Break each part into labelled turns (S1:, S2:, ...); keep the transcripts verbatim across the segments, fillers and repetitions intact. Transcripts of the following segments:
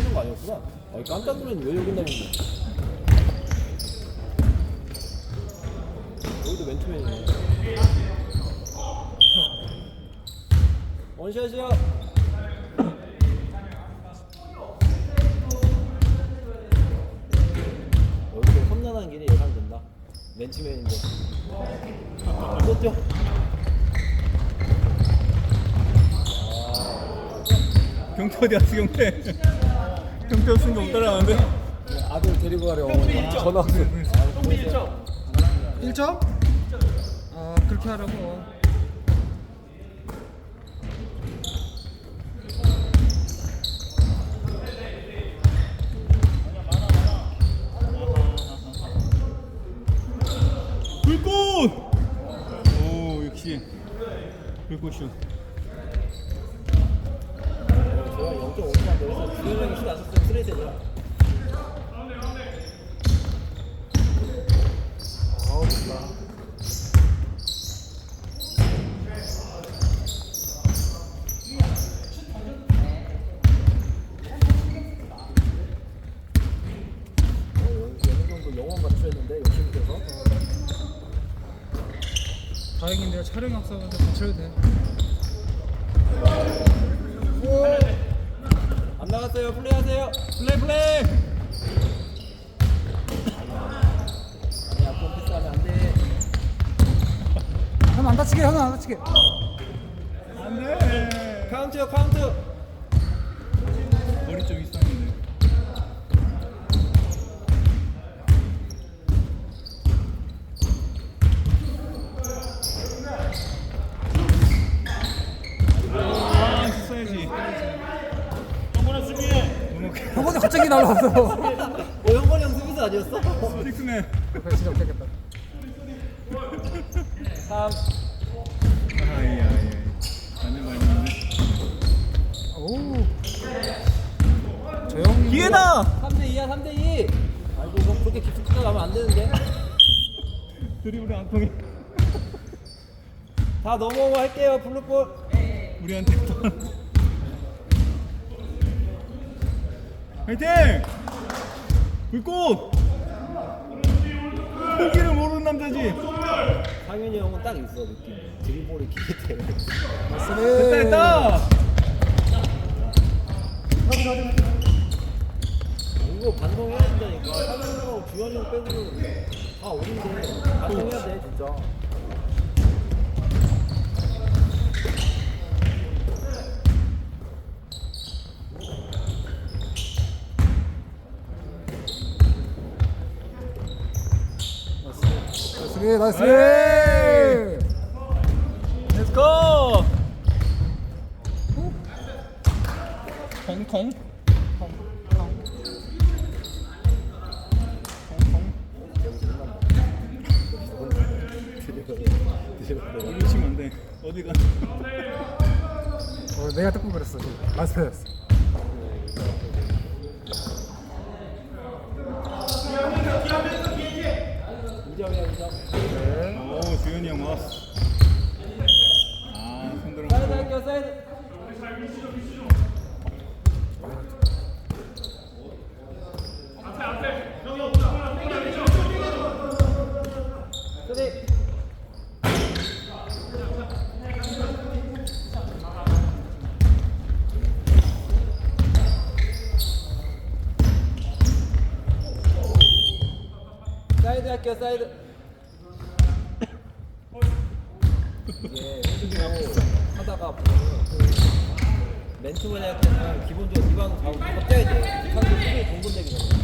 S1: 쓰는 거 아니었구나. 아, 깜짝 놀랐네. 왜 여기 나있는데? 여기도 맨투맨이네. 원샷이야. 여기도 험난한 길이 예상된다. 맨투맨인데. 이거 뛰어.
S2: 경태 어디 갔어 경태? 경태 없으니까 못 따라가는데?
S1: 아들 데리고 가려 어머니 전화 왔어.
S3: 일 점? 아 그렇게 하라고.
S2: 불꽃! 오 역시 불꽃슛.
S1: 제가 영 점 오 점 넣어서 주현영이 슛 안 썼으면 쓰레기잖아. 아우 좋다. 어느 정도 영원 맞추였는데 열심히 돼서.
S3: 다행히 내가 촬영 학사한테 맞춰야 돼.
S1: 안 나갔어요. 플레이하세요.
S2: 플레이 플레이!
S1: 아니 앞으로 패스하면 안 돼.
S3: 형 안 다치게, 형은 안 다치게.
S2: 안돼!
S1: 카운트요 카운트.
S2: 머리 좀 이상한데. 아 했어야지.
S3: 형한테 갑자기 날라왔어.
S1: 어 형건이 형 수비수 아니었어?
S2: 틱스네.
S3: 그래 진짜 못하겠다.
S1: 삼.
S2: 아이 아이 안돼 많이 있네.
S3: 오. 저 형이
S2: 기회다!
S1: 삼 대 이야 삼 대 이. 아이고 형 그렇게 깊숙이 가면 안 되는데.
S2: 드리블이 안 통해.
S1: 다 넘어오고 할게요 블루볼.
S2: 우리한테 화이팅! 불꽃! 포기를 모르는 남자지.
S1: 상현이 형은 딱 있어 느낌. 드리블이 기계 때문에.
S2: 됐다 됐다.
S1: 이거 반성해야 된다니까. 상현이 형, 주현이 형 빼고는 다 어린데 반성해야 돼 진짜.
S3: 나이스 나이스.
S2: Let's go. 콩콩. 여기 치면 안 돼. 어디 가?
S3: 어, 내가 뜨끔 그랬어. 마스터였어.
S1: 이 점이야 이 점.
S2: 오 주현이 형 왔어. 아 손들어.
S1: 사이드 할게요 사이드. 쓰리. 사이드 할게요 사이드. 이게 왼쪽으로 하다가 보면은 맨투맨 할 때는 기본적으로 리바운드 잡고 무조건 떼야 돼. 상대 수비 공분되기잖아.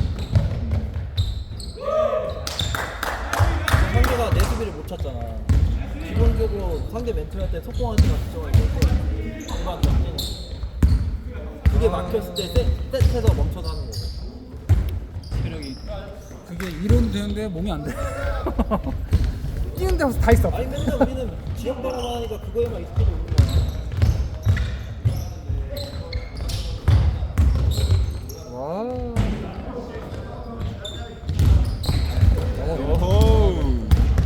S1: 상대가 내 수비를 못 찼잖아. 기본적으로 상대 맨투맨 할 때 속공하는 시간 특정을 해서 리바운드 안 뛰는. 그게 막혔을 때 셋, 셋에서 멈춰서 하는 거고.
S2: 체력이.
S3: 그게 이론 되는데 몸이 안 돼. 뛰는 데서 다 있어.
S1: 아니 맨날 우리는 지역 방어만 하니까 그거에만 익숙해져 있는 거야.
S3: 와.
S2: 오호.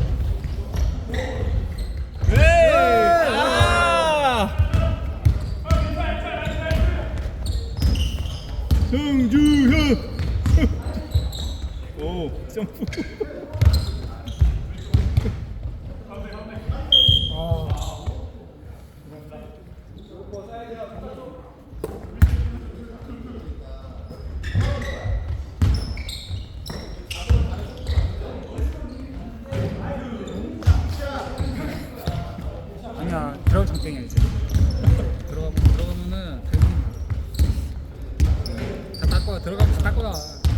S2: 네. 아! 성주현. 오 점프.
S3: 아. 아니야, 들어가면 장땡이야 이제. 들어가면 들어가면은 다딸 거야. 들어가면 다딸 거야.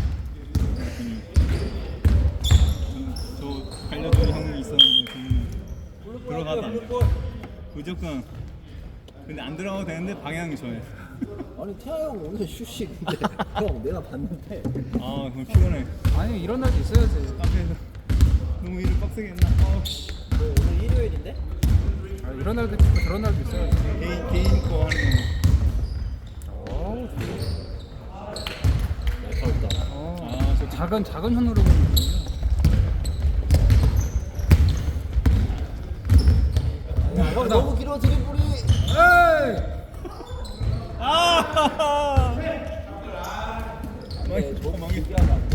S2: 저 갈려준 형이 있었는데 그는 들어가도 안 돼. 무조건. 근데 안 들어가도 되는데 방향이 저예요.
S1: 아니 태아 형 오늘 슛이 근데 형 내가 봤는데
S2: 아 그럼 피곤해.
S3: 아니 이런 날도 있어야지.
S2: 카페에서 너무 일을 빡세게 했나? 아,
S1: 뭐 오늘 일요일인데?
S3: 아, 이런 날도 있고 저런 날도 있어야지.
S2: 개인 개인 거 하는
S3: 어우,
S1: 날카롭다.
S3: 어.
S2: 아, 저
S3: 작은 작은 현으로 보는 거군요.
S1: 야, 형 너무 길어 드리블이.
S3: 에이!
S2: 아!
S1: 네,
S2: 망했다,
S1: 너무
S2: 망했다.
S1: 길게 하면 안 돼.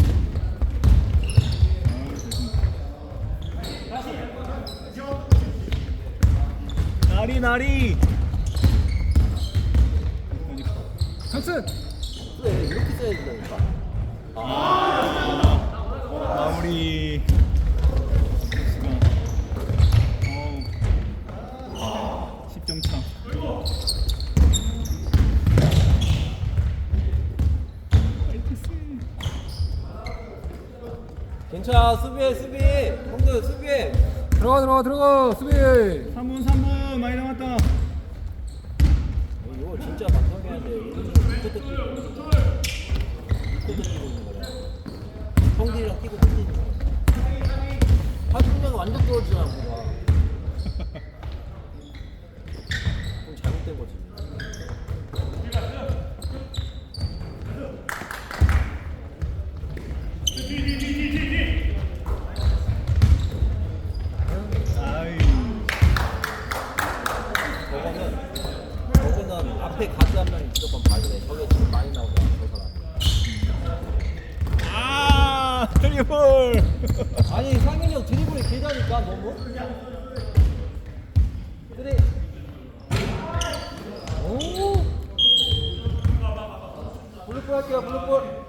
S2: 나리 나리.
S3: 찬스!
S1: 그래 이렇게 써야 된다니까.
S2: 마무리. 십 점 차.
S1: 괜찮아 수비해 수비. 형들 수비해.
S3: 들어가 들어가 들어가 수비!
S2: 삼 분 삼 분 많이 남았다.
S1: 이거 진짜 방송해야 돼. 이거 뜯고 있는 거야. 뜯고 있는 거야. 형들이랑 끼고 뜯는 거야. 하중량 완전 떨어지지 않고 봐. 좀 잘못된 거지.
S2: 아이.
S1: 저거는 저거는 앞에 가드 한 명이 무조건 봐야 돼. 저게 지금 많이 나오잖아 저 사람.
S2: 아! 트리플.
S1: 아니 상현이 형 드리블이 길다니까 너무. 그래. 오. 블루볼 할게요 블루볼.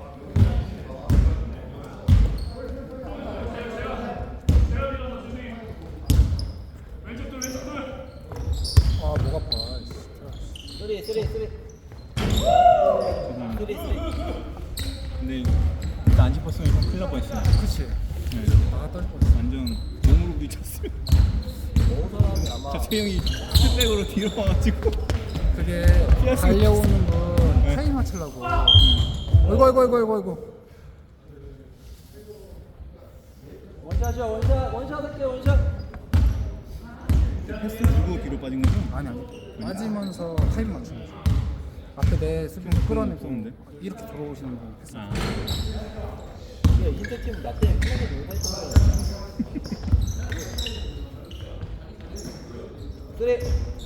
S3: 아 목 아파.
S1: 쓰리 쓰리 쓰리.
S2: 죄송합니다.
S1: 쓰리 쓰리.
S2: 근데 일단 안 짚었으면 형 큰일 날 뻔했어요.
S3: 그치.
S2: 네.
S3: 아 떨릴 뻔했어.
S2: 완전 몸으로 부딪혔어요.
S1: 저 사람이 아마
S2: 저 채영이 스백으로 뒤로 와가지고.
S3: 그게
S2: 피할 수가
S3: 달려오는 분
S2: 네.
S3: 타임 맞추려고. 어이구 어이구 어이구 어이구 어이구.
S1: 원샷이야 원샷 원샷 할게 원샷.
S2: 패스 주고 뒤로 빠진 거죠?
S3: 아니 아니. 빠지면서 타임 맞추는 거지. 앞에 내 수비 끌어내고
S2: 무서운데?
S3: 이렇게 들어오시는 분 패스.
S2: 아.
S1: 야 인ter 팀 나 때문에 편하게 놀고 했던 거야. 쓰리.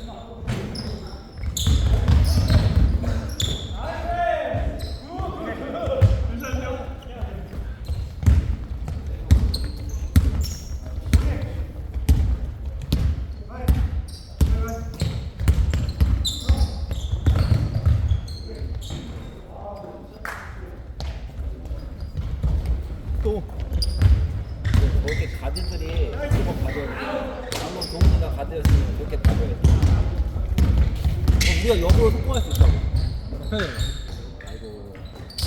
S2: 또.
S1: 저렇게 가드들이 무조건 가져야 돼. 방금 동훈이가 가드였으면 저렇게 가져야 돼. 그럼 우리가 역으로 성공할 수 있다고.
S3: 그래.
S1: 아이고.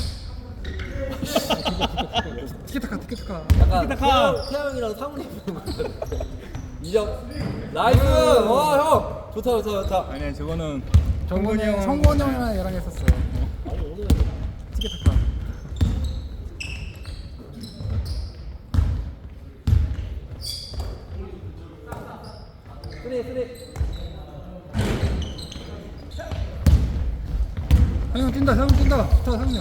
S3: 티키타카 티키타카.
S1: 약간
S2: 티키타카.
S1: 태양, 태양이랑 상훈이 보는 거 같아. 이점 나이스. 와 형. 좋다 좋다 좋다.
S2: 아니야 저거는
S3: 정근이
S2: 형.
S3: 형, 성곤이 형이랑 얘랑 했었어.
S1: 아니 오늘
S3: 티키타카.
S1: 쓰리 쓰리.
S3: 형 뛴다 형 뛴다. 좋다 상훈이.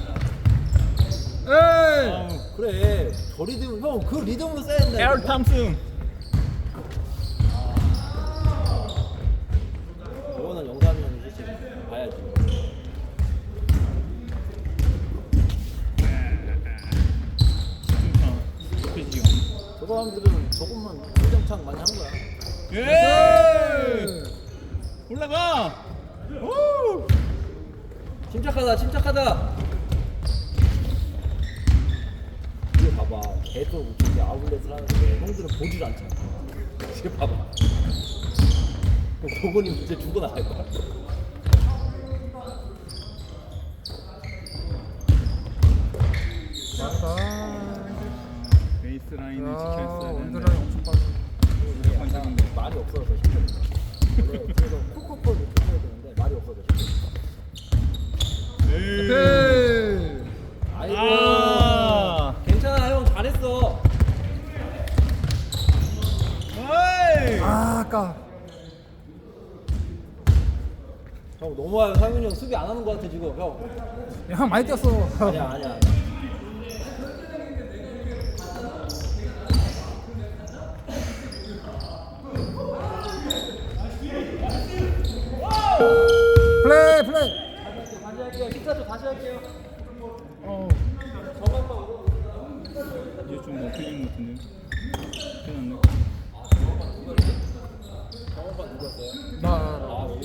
S3: 에이.
S2: 아우.
S1: 그래 저 리듬 형그 리듬으로 써야 된다.
S2: 에어 탐슨.
S1: 저거는 영상이 형이 솔직히 봐야지. 사람들은 조금만 성장창 많이 한 거야.
S2: 예! 올라가! 오!
S1: 침착하다, 침착하다. 이거 봐봐, 계속 이렇게 아웃렛을 하는데 형들은 보질 않잖아. 이거 봐봐. 도건이 이제 죽어 나갈 거야.
S3: 맞다.
S2: 베이스 라인을
S3: 야,
S2: 지켰어야 되는데.
S3: 원드라인 엄청 빠져.
S2: 무조건 지는데.
S1: 말이 없어서 힘들어. 원래 그래서 콕콕콕 이렇게 해야 되는데 말이 없어서 힘들어.
S2: 에이.
S3: 네.
S1: 아이고.
S2: 아.
S1: 괜찮아, 형 잘했어.
S2: 어이!
S3: 아, 아까.
S1: 형 너무 와요. 상윤이 형 수비 안 하는 거 같아 지금. 형.
S3: 야, 형 많이 뛰었어.
S1: 아니야, 아니야. 아니야.
S3: 플레이, 플레이.
S1: 다시 할게요. 십사 초 다시 할게요.
S3: 어.
S1: 저만만 오고.
S2: 이제 좀 먹히는 것 같은데. 큰일 났네.
S1: 저만만 누구였어요?
S3: 나.
S1: 아, 우리.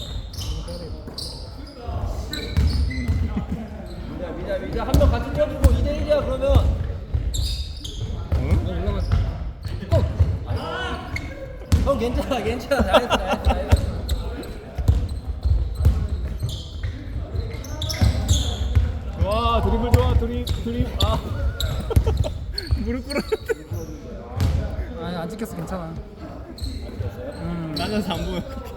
S1: 미자, 미자, 미자 한 명 같이 뛰어주고 이 대 일이야 그러면.
S2: 어?
S3: 올라가지.
S1: 형 괜찮아, 괜찮아. 잘했어, 잘했어, 잘했어.
S2: 좋아, 드리블 좋아, 드립, 드립. 아. 무릎 꿇어.
S3: 아니, 안 찍혔어. 괜찮아. 음.
S2: 나는 안 보여.